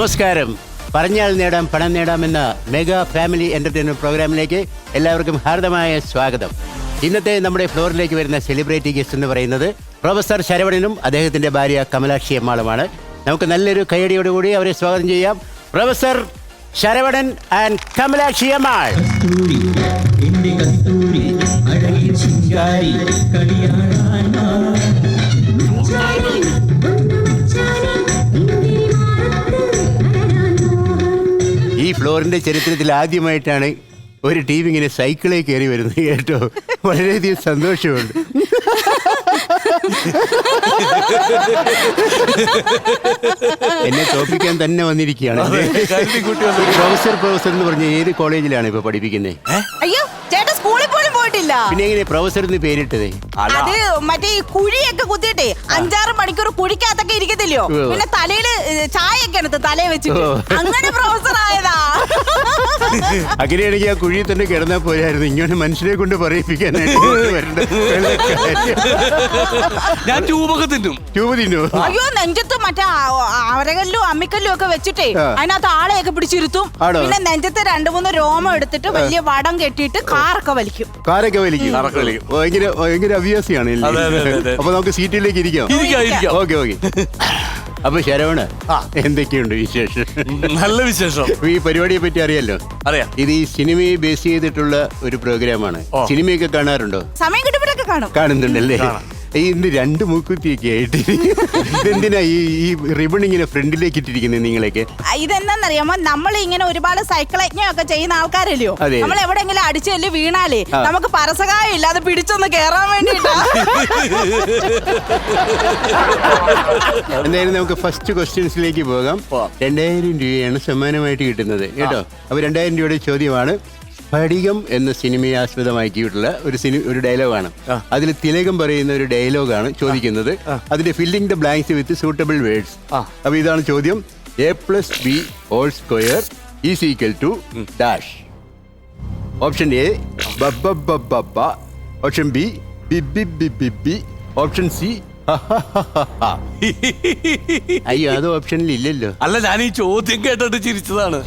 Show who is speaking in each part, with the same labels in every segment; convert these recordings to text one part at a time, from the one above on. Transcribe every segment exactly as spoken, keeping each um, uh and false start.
Speaker 1: നമസ്കാരം. പറഞ്ഞാൽ നേടാം പണം നേടാമെന്ന മെഗാ ഫാമിലി എന്റർടൈൻമെന്റ് പ്രോഗ്രാമിലേക്ക് എല്ലാവർക്കും ഹാർദമായ സ്വാഗതം. ഇന്നത്തെ നമ്മുടെ ഫ്ലോറിലേക്ക് വരുന്ന സെലിബ്രിറ്റി ഗസ്റ്റ് എന്ന് പറയുന്നത് പ്രൊഫസർ ശരവണനും അദ്ദേഹത്തിന്റെ ഭാര്യ കമലാക്ഷി അമ്മാളുമാണ്. നമുക്ക് നല്ലൊരു കൈയടിയോടുകൂടി അവരെ സ്വാഗതം ചെയ്യാം. Professor Saravanan and Kamalakshi Ammal. ഈ ഫ്ലോറിന്റെ ചരിത്രത്തിൽ ആദ്യമായിട്ടാണ് ഒരു ടീം ഇങ്ങനെ സൈക്കിളിൽ കയറി വരുന്നത് കേട്ടോ. വളരെയധികം സന്തോഷമുണ്ട്. എന്നെ തോപ്പിക്കാൻ തന്നെ വന്നിരിക്കുകയാണ്. പ്രൊഫസർ പ്രൊഫസർ എന്ന് പറഞ്ഞ ഏത് കോളേജിലാണ് ഇപ്പൊ പഠിപ്പിക്കുന്നത്?
Speaker 2: അയ്യോ ചേട്ടാ, സ്കൂളിൽ പോലും പോയിട്ടില്ല.
Speaker 1: പിന്നെ എങ്ങനെ പ്രൊഫസർ എന്ന് പേരിട്ടത്?
Speaker 2: അത് മറ്റേ ഈ കുഴിയൊക്കെ കുത്തിയിട്ടേ അഞ്ചാറ് മണിക്കൂർ കുഴിക്കകത്തൊക്കെ ഇരിക്കത്തില്ലയോ, പിന്നെ തലയില് ചായയൊക്കെ എടുത്ത് തലയെ വെച്ചിട്ട് അങ്ങനെ പ്രൊഫസർ ആയതാ.
Speaker 1: അങ്ങനെയാണെങ്കിൽ ആ കുഴിയിൽ തന്നെ കിടന്നാൽ പോരായിരുന്നു, ഇങ്ങനെ മനുഷ്യരെ കൊണ്ട് പറയിപ്പിക്കാനായിട്ട് വരണ്ട.
Speaker 3: ഞാൻ ട്യൂബൊക്കെ തിന്നും.
Speaker 1: ട്യൂബ് തിന്നു?
Speaker 2: അയ്യോ, നെഞ്ചത്ത് മറ്റേ അവരകല്ലും അമ്മിക്കല്ലും ഒക്കെ വെച്ചിട്ടേ അതിനകത്ത് ആളെയൊക്കെ പിടിച്ചിരുത്തും. പിന്നെ നെഞ്ചത്ത് രണ്ടു മൂന്ന് രോമം എടുത്തിട്ട് വലിയ വടം കെട്ടിയിട്ട് കാറൊക്കെ വലിക്കും.
Speaker 1: കാറൊക്കെ വലിക്കും? ഭയങ്കര ഭയങ്കര അഭ്യാസിയാണ്. അപ്പൊ നമുക്ക് സീറ്റിലേക്ക് ഇരിക്കാം. Okay okay. അപ്പൊ ശരവണ, എന്തൊക്കെയുണ്ട് വിശേഷം?
Speaker 3: നല്ല വിശേഷം.
Speaker 1: ഈ പരിപാടിയെ പറ്റി അറിയാലോ?
Speaker 3: അറിയാം. ഇത്
Speaker 1: ഈ സിനിമയെ ബേസ് ചെയ്തിട്ടുള്ള ഒരു പ്രോഗ്രാമാണ്. സിനിമയൊക്കെ കാണാറുണ്ടോ?
Speaker 2: സമയം കിട്ടുമ്പോഴൊക്കെ കാണും.
Speaker 1: കാണുന്നുണ്ടല്ലേ? ഇന്ന് രണ്ട് മൂക്കുത്തിയൊക്കെ ആയിട്ട് എന്തിനാ ഈ ഈ റിബൺ ഇങ്ങനെ ഫ്രണ്ടിലേക്ക് ഇട്ടിരിക്കുന്നത് നിങ്ങളൊക്കെ?
Speaker 2: ഇതെന്താന്നറിയാമോ, നമ്മൾ ഇങ്ങനെ ഒരുപാട് സൈക്കിൾ യജ്ഞമൊക്കെ ചെയ്യുന്ന ആൾക്കാരല്ലയോ. നമ്മൾ എവിടെയെങ്കിലും അടിച്ചല്ലേ വീണാലേ നമുക്ക് പരസകായം ഇല്ലാതെ പിടിച്ചൊന്ന് കേറാൻ വേണ്ടിട്ടാ.
Speaker 1: എന്തായാലും നമുക്ക് ഫസ്റ്റ് ക്വസ്റ്റ്യൻസിലേക്ക് പോകാം. രണ്ടായിരം രൂപയാണ് സമ്മാനമായിട്ട് കിട്ടുന്നത് കേട്ടോ. അപ്പൊ രണ്ടായിരം രൂപയുടെ ചോദ്യമാണ്. സ്ഫടികം എന്ന സിനിമയെ ആസ്പദമാക്കിയിട്ടുള്ള ഒരു സിനിമ ഒരു ഡയലോഗാണ്. അതിൽ തിലകം പറയുന്ന ഒരു ഡയലോഗാണ് ചോദിക്കുന്നത്. അതിന്റെ filling the blanks with suitable words. അപ്പൊ ഇതാണ് ചോദ്യം. A plus B whole square is equal to dash. Option A ബബ്ബബ്ബബ്ബ, ഓപ്ഷൻ ബി ബിബിബിബിബി, ഓപ്ഷൻ സി അയ്യോ അത് ഓപ്ഷനിൽ ഇല്ലല്ലോ.
Speaker 3: അല്ല, ഞാൻ ഈ ചോദ്യം കേട്ടിട്ട് ചിരിച്ചതാണ്.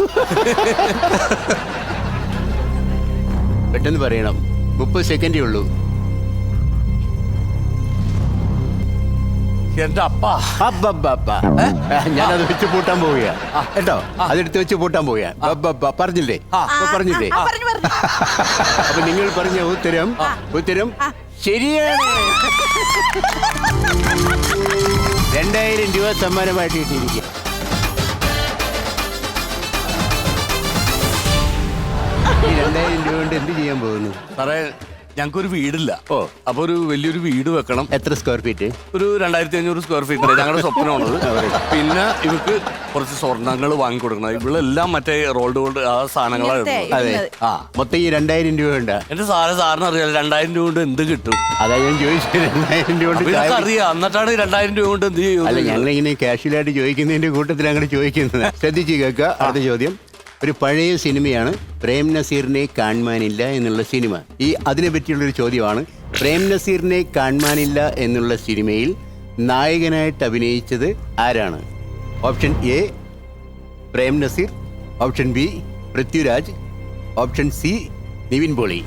Speaker 1: പെട്ടെന്ന് പറയണം, മുപ്പത് സെക്കൻഡേ ഉള്ളൂ.
Speaker 3: എന്റെ അപ്പ
Speaker 1: ഞാനത് വെച്ച് പൂട്ടാൻ പോവുക കേട്ടോ. അതെടുത്ത് വെച്ച് പൂട്ടാൻ പോവുക. പറഞ്ഞില്ലേ പറഞ്ഞില്ലേ? അപ്പൊ നിങ്ങൾ പറഞ്ഞ ഉത്തരം ഉത്തരം ശരിയാണ്. രണ്ടായിരം രൂപ സമ്മാനമായിട്ട് കിട്ടിയിരിക്കുക. ഈ രണ്ടായിരം രൂപ കൊണ്ട് എന്ത് ചെയ്യാൻ പോകുന്നു?
Speaker 3: സാറേ, ഞങ്ങൾക്കൊരു വീടില്ല. ഓ അപ്പൊ ഒരു വലിയൊരു വീട് വെക്കണം.
Speaker 1: എത്ര സ്ക്വയർ ഫീറ്റ്?
Speaker 3: ഒരു രണ്ടായിരത്തി അഞ്ഞൂറ് സ്ക്വയർ ഫീറ്റ് ഞങ്ങളുടെ സ്വപ്നമാണത്. പിന്നെ ഇവർക്ക് കുറച്ച് സ്വർണ്ണങ്ങൾ വാങ്ങിക്കൊടുക്കണം. ഇവളെല്ലാം മറ്റേ റോൾഡ് ഗോൾഡ് ആ സാധനങ്ങളാണ്.
Speaker 1: അതെ. ആ മൊത്തം ഈ രണ്ടായിരം രൂപ ഉണ്ട്.
Speaker 3: എന്റെ സാറ് സാറിന് അറിയാം രണ്ടായിരം രൂപ കൊണ്ട് എന്ത് കിട്ടും?
Speaker 1: അതാ ഞാൻ ചോദിച്ചത്. രണ്ടായിരം രൂപ കൊണ്ട്
Speaker 3: അറിയാം. എന്നിട്ടാണ് രണ്ടായിരം രൂപ കൊണ്ട് എന്ത് ചെയ്യും?
Speaker 1: അല്ല, ഞങ്ങളിങ്ങനെ കാഷ്വലായിട്ട് ചോദിക്കുന്നതിന്റെ കൂട്ടത്തിൽ അങ്ങോട്ട് ചോദിക്കുന്നത്. ശ്രദ്ധിച്ചു കേൾക്കുക. അടുത്ത ചോദ്യം ഒരു പഴയ സിനിമയാണ്. പ്രേം നസീറിനെ കാണാനില്ല എന്നുള്ള സിനിമ. ഈ അതിനെ പറ്റിയുള്ളൊരു ചോദ്യമാണ്. പ്രേം നസീറിനെ കാണാനില്ല എന്നുള്ള സിനിമയിൽ നായകനായിട്ട് അഭിനയിച്ചത് ആരാണ്? Option A Prem Nazir, option B Prithviraj, option C Nivin Pauly.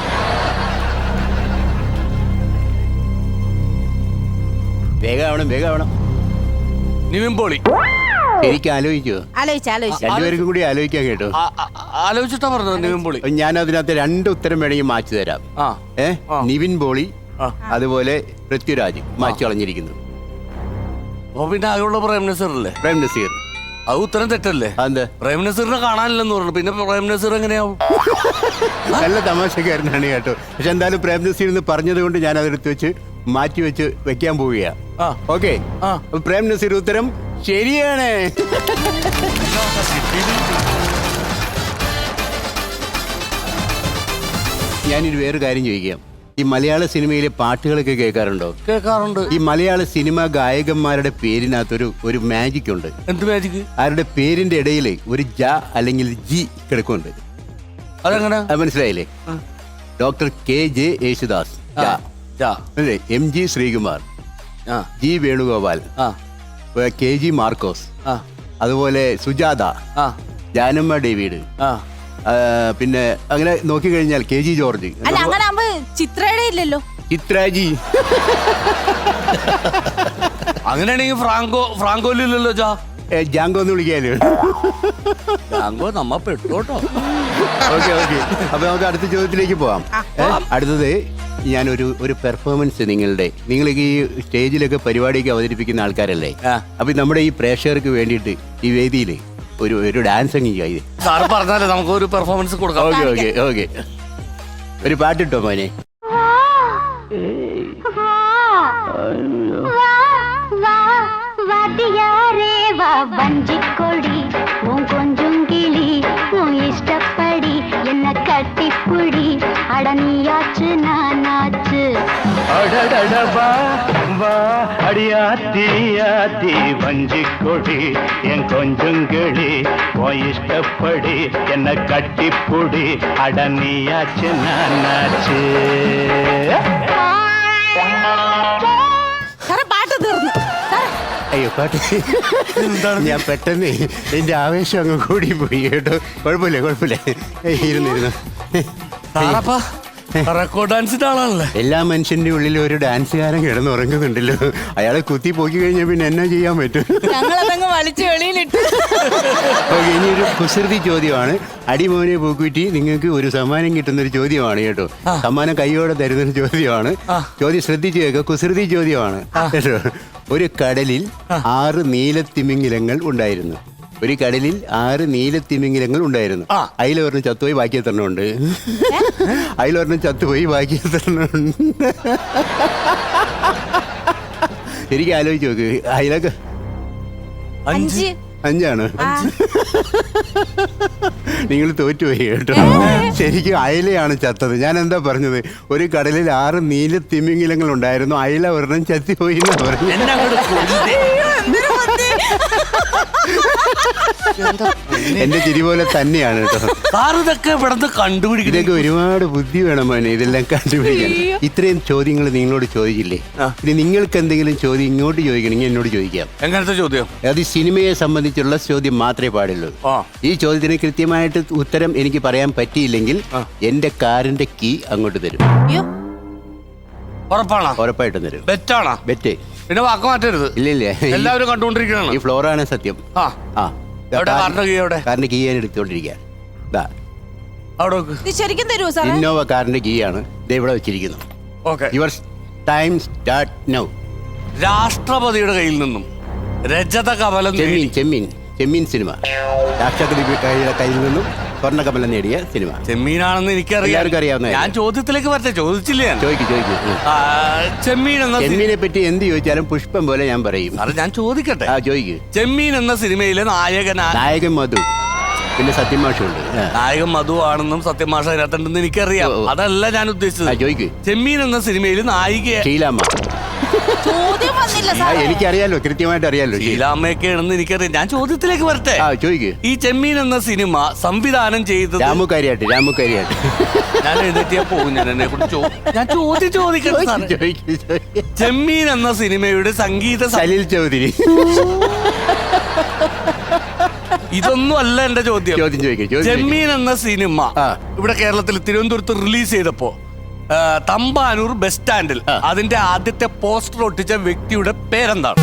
Speaker 1: വേഗമാവണം വേഗമാവണം.
Speaker 3: നിവിൻ പോളി.
Speaker 1: എനിക്ക് ആലോചിക്കോ? രണ്ടുപേർക്കും കൂടി ആലോചിക്കാൻ കേട്ടോ.
Speaker 3: ആലോചിച്ചിട്ടാ പറഞ്ഞത് നിവിൻ പോളി.
Speaker 1: ഞാൻ അതിനകത്ത് രണ്ട് ഉത്തരം വേണമെങ്കിൽ മാറ്റി തരാം. ഏ നിവിൻ പോളി അതുപോലെ പൃഥ്വിരാജ് മാറ്റി കളഞ്ഞിരിക്കുന്നു.
Speaker 3: അപ്പൊ പിന്നെ ആകെയുള്ള പ്രേം നസീർ അല്ലേ?
Speaker 1: പ്രേം നസീർ.
Speaker 3: അത് ഉത്തരം തെറ്റല്ലേ?
Speaker 1: അതെന്താ?
Speaker 3: പ്രേം നസീറിനെ കാണാനില്ലെന്ന് പറഞ്ഞു. പിന്നെ പ്രേം നസീർ എങ്ങനെയാവും?
Speaker 1: നല്ല തമാശക്കാരനാണ് കേട്ടോ. പക്ഷെ എന്തായാലും പ്രേം നസീർ എന്ന് പറഞ്ഞത് കൊണ്ട് ഞാൻ അതെടുത്ത് വെച്ച് മാറ്റി വെച്ച് വെക്കാൻ പോവുകയാ. ഓക്കെ. പ്രേം നസീർ ഉത്തരം ശരിയാണ്. ഞാനൊരു വേറെ കാര്യം ചോദിക്കാം. ഈ മലയാള സിനിമയിലെ പാട്ടുകളൊക്കെ കേൾക്കാറുണ്ടോ?
Speaker 3: കേൾക്കാറുണ്ട്.
Speaker 1: ഈ മലയാള സിനിമ ഗായകന്മാരുടെ പേരിനകത്തൊരു ഒരു മാജിക് ഉണ്ട്.
Speaker 3: എന്ത് മാജിക്?
Speaker 1: അവരുടെ പേരിന്റെ ഇടയിൽ ഒരു ജ അല്ലെങ്കിൽ ജി കിടക്കുന്നുണ്ട്.
Speaker 3: അതെങ്ങനെ?
Speaker 1: മനസ്സിലായില്ലേ? Doctor K J Yesudas, M G Sreekumar, G Venugopal, K G Markose, അതുപോലെ സുജാത,
Speaker 3: ആ
Speaker 1: ജാനമ്മ ഡേവിഡ്,
Speaker 3: ആ
Speaker 1: ആ, പിന്നെ അങ്ങനെ നോക്കിക്കഴിഞ്ഞാൽ കെ ജി ജോർജ്,
Speaker 2: അല്ല അങ്ങനെ ആകുമ്പോ ചിത്രയുടെ ഇല്ലല്ലോ.
Speaker 1: ചിത്രാജി.
Speaker 3: അങ്ങനെയാണെങ്കിൽ ഫ്രാങ്കോ ഫ്രാങ്കോയില്ലല്ലോ ചാ.
Speaker 1: ഏ, ജാങ്കോ എന്ന് വിളിക്കാലോ.
Speaker 3: ഫ്രാങ്കോ നമ്മ പെട്ടോട്ടോ.
Speaker 1: ഓക്കെ ഓക്കെ അപ്പൊ നമുക്ക് അടുത്ത ചോദ്യത്തിലേക്ക് പോവാം. ഏ, അടുത്തത് ഞാനൊരു ഒരു പെർഫോമൻസ് നിങ്ങളുടെ നിങ്ങൾ ഈ സ്റ്റേജിലൊക്കെ പരിപാടിയൊക്കെ അവതരിപ്പിക്കുന്ന ആൾക്കാരല്ലേ,
Speaker 3: ആ.
Speaker 1: അപ്പൊ നമ്മുടെ ഈ പ്രേക്ഷകർക്ക് വേണ്ടിയിട്ട് ഈ വേദിയിൽ ഒരു ഒരു ഡാൻസ് അങ്ങ് ചെയ്ത്.
Speaker 3: സാറ് പറഞ്ഞാലേ നമുക്ക് ഒരു പെർഫോമൻസ് കൊടുക്കാം.
Speaker 1: ഓക്കെ ഓക്കെ ഓക്കെ ഒരു പാട്ടിട്ടോ മോനെ.
Speaker 4: വഞ്ചിക്കൊടി കൊഞ്ചും കിളി ഇഷ്ടപ്പടി എന്നെ കട്ടിപ്പുടി അടനിയാച്ച് നാനാച്ച്
Speaker 5: அடடடபா வா அடியாத்தி ஆத்தி வஞ்சிக்கொடி என் கொஞ்சங்களி உன் இஷ்டப்படி என்ன கட்டிப்புடி அடனியாச்சு நானாச்சு.
Speaker 2: സാറേ പാട്ട് തീർന്നു. സാറേ
Speaker 1: അയ്യോ പാട്ട് ഞാൻ പെട്ടെന്ന് എന്റെ ആവേശം അങ്ങ് കൂടി പോയി കേട്ടോ. കുഴപ്പമില്ല കുഴപ്പമില്ല ഏയ്, ഇരുന്നിരുന്നു.
Speaker 3: സാറപ്പാ റെക്കോർഡ് ഡാൻസിന്റെ ആളാണല്ലേ.
Speaker 1: എല്ലാ മനുഷ്യന്റെ ഉള്ളിൽ ഒരു ഡാൻസുകാരൻ കിടന്നുറങ്ങുന്നുണ്ടല്ലോ. അയാളെ കുത്തി പോക്കി കഴിഞ്ഞാൽ പിന്നെ എന്നാ ചെയ്യാൻ പറ്റും?
Speaker 2: ഞങ്ങളതങ്ങ് വലിച്ചു വെളിയിലിട്ട്.
Speaker 1: ഓക്കെ ഇനി ഒരു കുസൃതി ചോദ്യമാണ്. അടിമോനെ പൂക്കുറ്റി നിങ്ങൾക്ക് ഒരു സമ്മാനം കിട്ടുന്ന ഒരു ചോദ്യമാണ് കേട്ടോ. സമ്മാനം കൈയോടെ തരുന്നൊരു ചോദ്യമാണ്. ചോദ്യം ശ്രദ്ധിച്ചു കേൾക്കുക, കുസൃതി ചോദ്യമാണ് കേട്ടോ. ഒരു കടലിൽ ആറ് നീലത്തിമിംഗിലങ്ങൾ ഉണ്ടായിരുന്നു. ഒരു കടലിൽ ആറ് നീലത്തിമിംഗിലങ്ങൾ ഉണ്ടായിരുന്നു. അതിലൊരെണ്ണം ചത്തുപോയി, ബാക്കി എത്രണ്ണം ഉണ്ട്? അതിലൊരെണ്ണം ചത്തുപോയി, ബാക്കി എത്രണ്ണം ഉണ്ട്? എനിക്ക് ആലോചിച്ച് നോക്ക്. അതിലൊക്കെ
Speaker 2: അഞ്ച്.
Speaker 1: അഞ്ചാണ്. നിങ്ങൾ തോറ്റുപോയി കേട്ടോ. ശരിക്കും അയലയാണ് ചത്തത്. ഞാൻ എന്താ പറഞ്ഞത്? ഒരു കടലിൽ ആറ് നീല തിമിംഗിലങ്ങൾ ഉണ്ടായിരുന്നു, അയല ഒരെണ്ണം ചത്തിപ്പോയി എന്നാ പറഞ്ഞു. എന്റെ ചിരി പോലെ തന്നെയാണ് കേട്ടോ.
Speaker 3: ഇതൊക്കെ ഇവിടെ കണ്ടുപിടിക്കും.
Speaker 1: ഇതൊക്കെ ഒരുപാട് ബുദ്ധി വേണം മോനെ ഇതെല്ലാം കണ്ടുപിടിക്കാൻ. ഇത്രയും ചോദ്യങ്ങൾ നിങ്ങളോട് ചോദിച്ചില്ലേ, ഇനി നിങ്ങൾക്ക് എന്തെങ്കിലും ചോദ്യം ഇങ്ങോട്ട് ചോദിക്കണമെങ്കിൽ എന്നോട് ചോദിക്കാം.
Speaker 3: എങ്ങനത്തെ ചോദ്യം?
Speaker 1: അത് സിനിമയെ സംബന്ധിച്ചുള്ള ചോദ്യം മാത്രമേ പാടുള്ളൂ. ഈ ചോദ്യത്തിന് കൃത്യമായിട്ട് ഉത്തരം എനിക്ക് പറയാൻ പറ്റിയില്ലെങ്കിൽ എന്റെ കാറിന്റെ കീ അങ്ങോട്ട് തരും.
Speaker 2: അയ്യോ
Speaker 3: ഉറപ്പാണോ?
Speaker 1: ഉറപ്പായിട്ടും തരും.
Speaker 3: ബെറ്റാണോ?
Speaker 1: ബെറ്റ്.
Speaker 3: പിന്നെ വാക്ക് മാറ്റരുത്.
Speaker 1: ഇല്ല ഇല്ല,
Speaker 3: എല്ലാവരും കണ്ടുകൊണ്ടിരിക്കുകയാണ്.
Speaker 1: ഈ ഫ്ലോറാണ് സത്യം.
Speaker 3: ആ
Speaker 1: ആ
Speaker 3: എവിടെ കാറിന്റെ കീ? എവിടെ
Speaker 1: കാറിന്റെ കീ ഞാൻ എടുത്തുകൊണ്ടിരിക്കുക.
Speaker 3: അവിടെ വെക്ക്.
Speaker 2: ഇത് ശരിക്കും തരുമോ സാറേ?
Speaker 1: ഇന്നോവ കാറിന്റെ കീ ആണ് ദേ ഇവിടെ വെച്ചിരിക്കുന്നു.
Speaker 3: Okay.
Speaker 1: Your time start now.
Speaker 3: രാഷ്ട്രപതിയുടെ കയ്യിൽ നിന്നും രജത കമലം
Speaker 1: ചെമ്മീൻ
Speaker 3: നേടി-
Speaker 1: ചെമ്മീൻ ചെമ്മീൻ സിനിമ. രാഷ്ട്രപതിയുടെ കയ്യിൽ നിന്നും സ്വർണ്ണ കമലം നേടിയ സിനിമ.
Speaker 3: ചെമ്മീനാണെന്ന് എനിക്കറിയാം.
Speaker 1: എല്ലാവർക്കും അറിയാവുന്നതല്ലേ?
Speaker 3: ഞാൻ ചോദ്യത്തിലേക്ക് വരട്ടെ, ചോദിച്ചില്ല ഞാൻ.
Speaker 1: ചോദിക്കും ചോദിക്കും.
Speaker 3: ആ, ചെമ്മീൻ എന്ന സി-
Speaker 1: ചെമ്മീനെ പറ്റി എന്ത് ചോദിച്ചാലും പുഷ്പം പോലെ ഞാൻ പറയും.
Speaker 3: സാറേ ഞാൻ ചോദിക്കട്ടെ.
Speaker 1: ആ ചോദിക്കൂ.
Speaker 3: ചെമ്മീൻ എന്ന സിനിമയിലെ നായകനാ
Speaker 1: നായകൻ മധു, പിന്നെ സത്യമാഷുണ്ട്.
Speaker 3: നായകൻ മധു ആണെന്നും സത്യമാഷ അതിനകത്തുണ്ടെന്ന് എനിക്കറിയാം.
Speaker 1: ഓ, ഓ.
Speaker 3: അതല്ല ഞാൻ
Speaker 1: ആ
Speaker 3: ഉദ്ദേശിച്ചത്.
Speaker 1: ചോദിക്കൂ.
Speaker 3: ചെമ്മീൻ എന്ന സിനിമയിൽ നായിക
Speaker 1: ഷീലാമ്മ.
Speaker 2: ചോദ്യം വന്നില്ല
Speaker 1: ആ
Speaker 2: സാറേ.
Speaker 1: എനിക്കറിയാലോ, കൃത്യമായിട്ട് അറിയാലോ.
Speaker 3: ശീലാമ്മയൊക്കെയാണെന്ന് എനിക്കറിയാം. ഞാൻ ചോദ്യത്തിലേക്ക് വരട്ടെ.
Speaker 1: ആ ചോദിക്കൂ.
Speaker 3: ഈ ചെമ്മീൻ എന്ന സിനിമ സംവിധാനം ചെയ്തത്
Speaker 1: രാമു കാര്യാട്ട് രാമു കാര്യാട്ട്.
Speaker 3: ഞാൻ എഴുന്നേറ്റിയാ പോകും. ഞാൻ എന്നെ കുറിച്ച് ഞാൻ ചോദ്യം ചോദിക്കട്ടെ സാറേ.
Speaker 1: ചോദിക്കൂ ചോദിക്കൂ.
Speaker 3: ചെമ്മീൻ എന്ന സിനിമയുടെ സംഗീത സം-
Speaker 1: സലിൽ ചൗധരി.
Speaker 3: ഇതൊന്നും അല്ല എന്റെ ചോദ്യം.
Speaker 1: ചോദ്യം ചോദിക്കൂ ചോദ്യം ചോദിക്കൂ.
Speaker 3: ചെമ്മീൻ എന്ന സിനിമ
Speaker 1: ആ.
Speaker 3: ഇവിടെ കേരളത്തിൽ തിരുവനന്തപുരത്ത് റിലീസ് ചെയ്തപ്പോ ആ, തമ്പാനൂർ ബസ് സ്റ്റാൻഡിൽ
Speaker 1: ആ.
Speaker 3: അതിന്റെ ആദ്യത്തെ പോസ്റ്റർ ഒട്ടിച്ച വ്യക്തിയുടെ പേരെന്താണ്?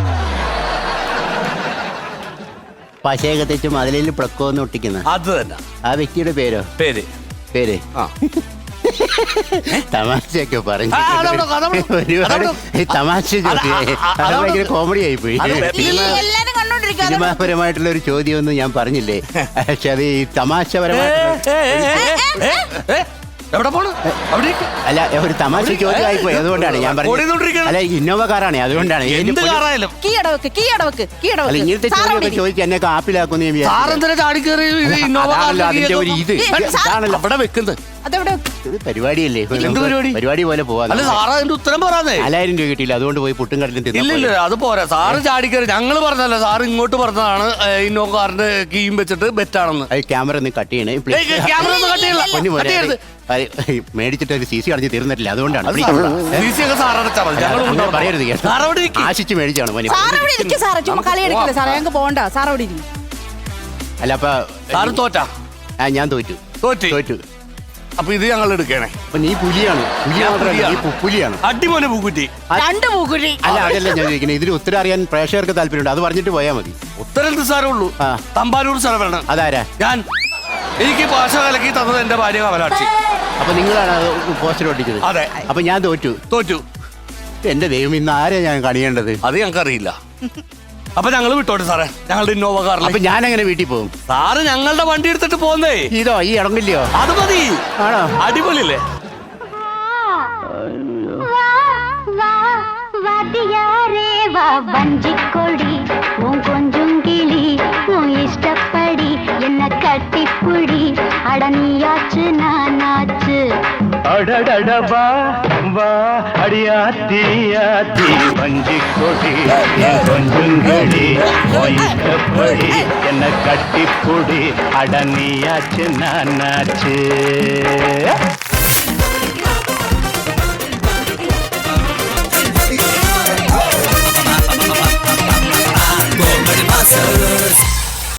Speaker 1: പശയൊക്കെ തെച്ച് മതിലിൽ പ്ലക്കോന്ന് ഒട്ടിക്കുന്ന
Speaker 3: അത് തന്നെ
Speaker 1: ആ വ്യക്തിയുടെ പേരോ?
Speaker 3: പേര്.
Speaker 1: പേര്
Speaker 3: ആ.
Speaker 1: തമാശയൊക്കെ പറഞ്ഞു.
Speaker 3: ആ, അതവിടെ, അതവിടെ,
Speaker 1: ഒരുപാട്
Speaker 3: അതവിടെ.
Speaker 1: ഈ തമാശ ചോദ്യം
Speaker 3: അത് ആ, ആ,
Speaker 1: അത്
Speaker 3: അതവിടെ.
Speaker 1: ഭയങ്കര കോമഡി ആയിപ്പോയി.
Speaker 3: അത്
Speaker 2: ഇല്ല, എല്ലാരും കണ്ടോണ്ടിരിക്കുക.
Speaker 1: സിനിമാപരമായിട്ടുള്ള ഒരു ചോദ്യമൊന്നും ഞാൻ പറഞ്ഞില്ലേ, പക്ഷെ അത് ഈ
Speaker 3: ഏ,
Speaker 1: തമാശപരമായിട്ടുള്ള
Speaker 3: ഏ, ഏ, ഏ, ഏ, എവിടെ പോണു? അവിടെ ഇരിക്ക്.
Speaker 1: അല്ല ഒരു തമാശ ചോദ്യം ആയിപ്പോയി, അതുകൊണ്ടാണ് ഞാൻ പറഞ്ഞത്.
Speaker 3: ഓടിക്കൊണ്ടിരിക്കുകയാണ്.
Speaker 1: അല്ല ഇന്നോവ കാറാണ്, അതുകൊണ്ടാണ്.
Speaker 3: എന്ത് കാറായാലും
Speaker 2: കീ അടവക്ക് കീ അടവക്ക് കീ
Speaker 1: അല്ല
Speaker 2: അടവക്ക്.
Speaker 1: ഇങ്ങനത്തെ
Speaker 2: സാർ അവിടെ
Speaker 1: ചോദ്യമൊക്കെ
Speaker 2: ഇരിക്ക്.
Speaker 1: ചോദിച്ച് എന്നെ കാപ്പിലാക്കുന്നു ഞാൻ വിചാരിച്ചു.
Speaker 3: സാറെന്തിനാ ചാടിക്കേറി ഇത് ഇന്നോവ
Speaker 1: അതാണല്ലോ
Speaker 3: കാറിന്റെ
Speaker 1: അതിന്റെ ഒരു
Speaker 3: കീ
Speaker 1: ഇത്
Speaker 3: ഒക്കെ-
Speaker 1: ഇതാണല്ലോ
Speaker 3: അവിടെ വെക്കുന്നത്
Speaker 2: അതെവിടെ
Speaker 1: ഇത് പരിപാടിയല്ലേ
Speaker 3: എന്ത് പരിപാടി?
Speaker 1: പരിപാടി പോലെ പോവാ
Speaker 3: അല്ല സാറ് അതിന്റെ ഉത്തരം പറയാന്നേ.
Speaker 1: നാലായിരം രൂപ കിട്ടിയില്ല, അതുകൊണ്ട് പോയി പുട്ടും കടലും
Speaker 3: ഇല്ല
Speaker 1: തിന്നു.
Speaker 3: ഇല്ല അത് പോരാ. സാറ് ചാടിക്കറി ഞങ്ങള് പറഞ്ഞല്ല, സാറ് ഇങ്ങോട്ട് പറഞ്ഞതാണ് ഇന്നോ കാറിന്റെ കീയും വെച്ചിട്ട് ബെറ്റാണെന്ന്.
Speaker 1: അത് ക്യാമറ ഒന്ന് കട്ട് ചെയ്യണേ
Speaker 3: ഏയ്, ക്യാമറ ഒന്നും cut ചെയ്യല്ല.
Speaker 1: പൊന്നു മോനെ,
Speaker 3: cut ചെയ്യരുത്.
Speaker 1: അത് മേടിച്ചിട്ട് ഒരു സി സി അടഞ്ഞ് തീർന്നിട്ടില്ല, അതുകൊണ്ടാണ്.
Speaker 3: അത്
Speaker 1: Please.
Speaker 3: സാറ് സി സി ഒക്കെ സാറ് അടച്ചാ മതി. ഞങ്ങൾ
Speaker 1: അങ്ങനെ
Speaker 3: കൊണ്ടുപോകാം.
Speaker 1: പറയരുത് കേട്ടോ.
Speaker 3: സാറ് അവിടെ ഇരിക്ക്.
Speaker 1: ആശിച്ച് മേടിച്ചാണ് മോനെ.
Speaker 2: സാർ അവിടെ ഇരിക്കും സാറേ, ചുമ്മാ കളി എടുക്കില്ല സാറേ, ഞങ്ങൾക്ക് പോകണ്ട, സാർ അവിടെ ഇരിക്കും.
Speaker 1: അല്ല അപ്പൊ
Speaker 3: സാറ് തോറ്റാ
Speaker 1: ആ, ഞാൻ തോറ്റു
Speaker 3: തോറ്റി
Speaker 1: തോറ്റു
Speaker 3: അപ്പൊ ഇത് ഞങ്ങൾ എടുക്കണേ.
Speaker 1: അപ്പൊ നീ പുലിയാണ്. പുലി
Speaker 3: ഞാൻ
Speaker 1: മാത്രമല്ല, നീ
Speaker 3: പുലിയാണ്.
Speaker 1: പു- പുലിയാണ്.
Speaker 3: അടിമോനെ പൂക്കുറ്റി.
Speaker 2: രണ്ട് പൂക്കുഴി.
Speaker 1: അല്ല അതല്ല ഞാൻ ചോദിക്കുന്നത്, ഇതിന് ഉത്തരം അറിയാൻ പ്രേക്ഷകർക്ക് താല്പര്യമുണ്ട്, അത് പറഞ്ഞിട്ട് പോയാൽ മതി.
Speaker 3: ഉത്തരം നിസ്സാരമുള്ളൂ.
Speaker 1: ആ.
Speaker 3: തമ്പാനൂർ സ്ഥലമാണ്.
Speaker 1: അതാരാ?
Speaker 3: ഞാൻ എനിക്ക് ഭാഷ കലക്കി തന്നത് എന്റെ ഭാര്യ കമലാക്ഷി.
Speaker 1: അപ്പൊ നിങ്ങളാണ് അത് പോസ്റ്റർ ഒട്ടിച്ചത്?
Speaker 3: അതെ.
Speaker 1: അപ്പൊ ഞാൻ തോറ്റു.
Speaker 3: തോറ്റു.
Speaker 1: എന്റെ ദൈവം, ഇന്ന് ആരെയാ ഞാൻ കണിയേണ്ടത്?
Speaker 3: അത് ഞങ്ങൾക്ക് അറിയില്ല. അപ്പൊ ഞങ്ങൾ വിട്ടോട്ടെ സാറേ, ഞങ്ങളുടെ ഇന്നോവ കാറിൽ.
Speaker 1: അപ്പൊ ഞാൻ എങ്ങനെ വീട്ടിൽ പോകും?
Speaker 3: സാറ് ഞങ്ങളുടെ വണ്ടി എടുത്തിട്ട് പോന്നേ.
Speaker 1: ഇതോ ഈ ഇടങ്ങില്ലയോ?
Speaker 3: അത് മതി.
Speaker 1: ആണോ?
Speaker 3: അടിപൊളിയല്ലേ?
Speaker 4: வா வா வாத்தியாரே வா வஞ்சிக்கொடி உன் கொஞ்சம் கிளி உன் இஷ்டப்படி என்ன கட்டிப்புடி அடனியாச்சு நானாச்சு
Speaker 5: அடடடபா வா அடியாத்தி ஆத்தி வஞ்சிக்கொடி என் கொஞ்சங்களி இஷ்டப்படி என்ன கட்டிப்புடி அடனியாச்சு நானாச்சு